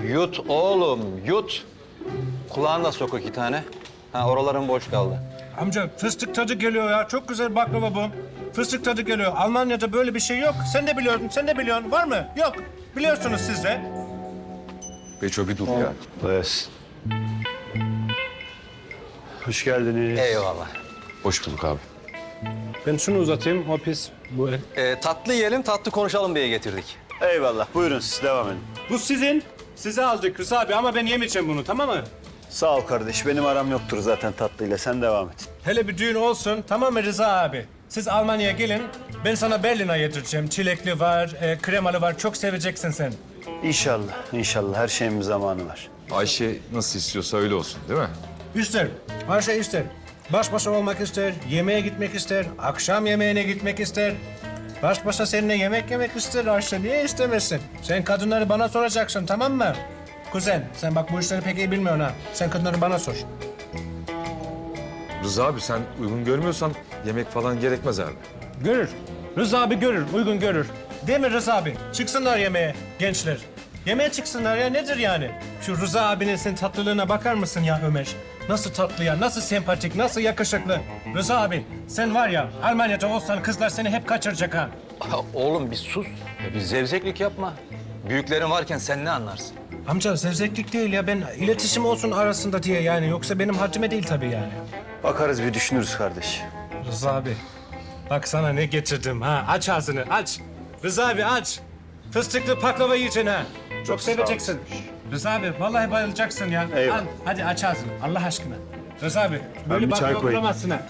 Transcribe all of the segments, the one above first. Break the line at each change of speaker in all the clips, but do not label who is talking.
Yut oğlum, yut. Kulağına sok 2 tane. Ha, oraların boş kaldı.
Amca fıstık tadı geliyor ya. Çok güzel baklava bu. Fıstık tadı geliyor. Almanya'da böyle bir şey yok. Sen de biliyorsun, sen de biliyorsun. Var mı? Yok. Biliyorsunuz siz de.
Beço bir dur ya.
Evet. Hoş geldiniz.
Eyvallah.
Hoş bulduk abi.
Ben şunu uzatayım. O pis. Bu
Tatlı yiyelim, tatlı konuşalım diye getirdik.
Eyvallah. Buyurun siz devam edin.
Bu sizin. Size aldık Rıza abi ama ben yemeyeceğim bunu, tamam mı?
Sağ ol kardeş. Benim aram yoktur zaten tatlıyla. Sen devam et.
Hele bir düğün olsun, tamam mı Rıza abi? Siz Almanya'ya gelin, ben sana Berlin'e yedireceğim. Çilekli var, kremalı var. Çok seveceksin sen.
İnşallah. İnşallah. Her şeyin bir zamanı var.
Ayşe nasıl istiyorsa öyle olsun değil mi?
İster, her şey ister. Baş başa olmak ister, yemeğe gitmek ister, akşam yemeğine gitmek ister. Baş başa seninle yemek yemek ister Ayşe. Niye istemesin? Sen kadınları bana soracaksın, tamam mı? Kuzen, sen bak bu işleri pek iyi bilmiyorsun ha. Sen kadınları bana sor.
Rıza abi sen uygun görmüyorsan yemek falan gerekmez abi.
Görür. Rıza abi görür, uygun görür. Değil mi Rıza abi? Çıksınlar yemeğe gençler. Yemeğe çıksınlar ya, nedir yani? Şu Rıza abinin sen tatlılığına bakar mısın ya Ömer? Nasıl tatlı ya, nasıl sempatik, nasıl yakışıklı. Rıza abi, sen var ya Almanya'da olsan kızlar seni hep kaçıracak ha.
Oğlum bir sus. Ya bir zevzeklik yapma. Büyüklerin varken sen ne anlarsın?
Amca zevzeklik değil ya, ben iletişim olsun arasında diye yani. Yoksa benim haddime değil tabii yani.
Bakarız bir düşünürüz kardeş.
Rıza abi, bak sana ne getirdim ha. Aç ağzını, aç. Rıza abi aç. Fıstıklı baklava yiyeceksin ha. Çok seveceksin. Rıza abi, vallahi bayılacaksın ya.
Eyvallah.
Al, hadi aç ağzını, Allah aşkına. Rıza abi,
bir
böyle
çay
baklava
koyayım.
bulamazsın ha.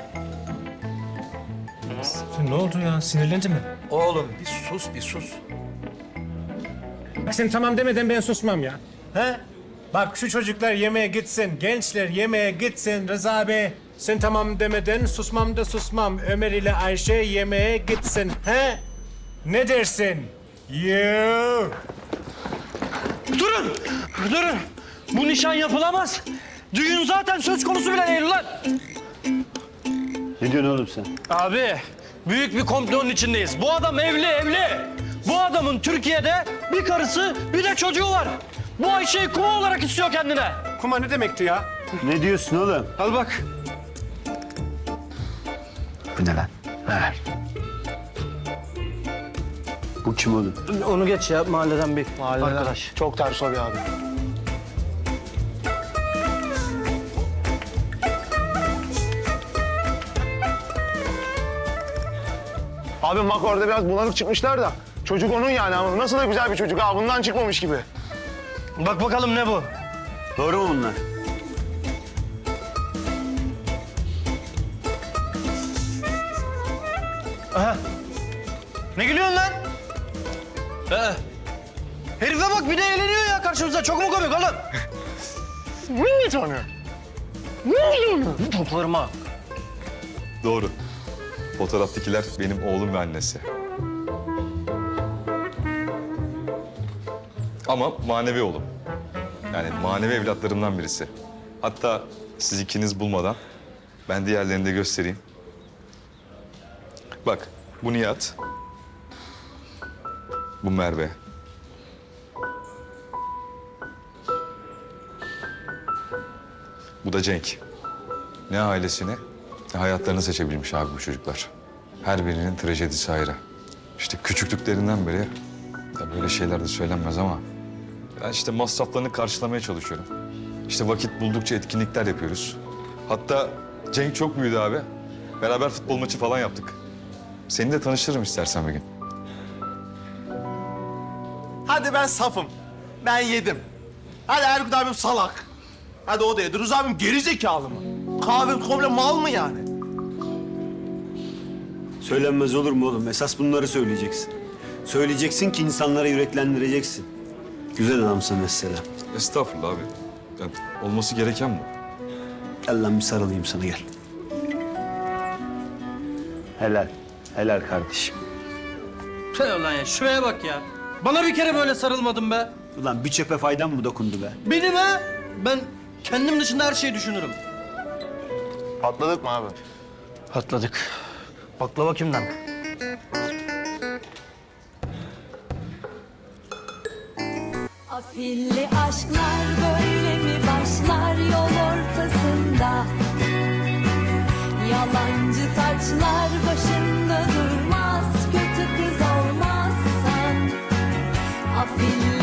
Sen ne oldu ya, sinirlendi mi?
Oğlum bir sus, bir sus.
Bak sen tamam demeden ben susmam ya. He? Bak şu çocuklar yemeğe gitsin, gençler yemeğe gitsin Rıza abi. Sen tamam demeden susmam da susmam. Ömer ile Ayşe yemeğe gitsin. He? Ne dersin? Yoo.
Durun! Durun! Bu nişan yapılamaz. Düğün zaten söz konusu bile değil ulan.
Ne diyorsun oğlum sen?
Abi, büyük bir komplonun içindeyiz. Bu adam evli. Bu adamın Türkiye'de bir karısı, bir de çocuğu var. Bu Ayşe'yi kuma olarak istiyor kendine.
Kuma ne demekti ya?
Ne diyorsun oğlum?
Al bak.
Bu ne lan? Ver. Bu kim oğlum?
Onu geç ya, mahalleden bir arkadaş.
Çok ters o bir abi. Abi bak orada biraz bulanık çıkmışlar da. Çocuk onun yani ama nasıl da güzel bir çocuk ha. Bundan çıkmamış gibi.
Bak bakalım ne bu?
Doğru mu bunlar?
Aha. Ne gülüyorsun lan? Herife bak bir de eğleniyor ya karşımıza. Çok mu komik oğlum?
Ne tanıyor?
Toplarım ha.
Doğru. Fotoğraftakiler benim oğlum ve annesi. Ama manevi oğlum. Yani manevi evlatlarımdan birisi. Hatta siz ikiniz bulmadan ben diğerlerini de göstereyim. Bak bu Nihat. Bu Merve. Bu da Cenk. Ne ailesini ne hayatlarını seçebilmiş abi bu çocuklar. Her birinin trajedisi ayrı. İşte küçüklüklerinden beri ya böyle şeyler de söylenmez ama ben işte masraflarını karşılamaya çalışıyorum. İşte vakit buldukça etkinlikler yapıyoruz. Hatta Cenk çok büyüdü abi. Beraber futbol maçı falan yaptık. Seni de tanıştırırım istersen bir gün.
Hadi ben safım. Ben yedim. Hadi Erkut abim salak. Hadi o da yedi. Rıza abim geri zekalı mı? Kahve komple mal mı yani?
Söylenmez olur mu oğlum? Esas bunları söyleyeceksin. Söyleyeceksin ki insanlara yüreklendireceksin. Güzel adamsın mesela.
Estağfurullah abi. Yani olması gereken bu.
Gel lan bir sarılayım sana gel. Helal. Helal kardeşim.
Şey ulan ya, şuraya bak ya. Bana bir kere böyle sarılmadın be.
Ulan bir çöpe faydan mı dokundu be?
Benim ha? Ben kendim dışında her şeyi düşünürüm.
Patladık mı abi?
Patladık. Baklava kimden?
Afilli aşklar böyle mi başlar yol ortasında? Yalancı taçlar başında durmaz, kötü kız olmazsan. Afilli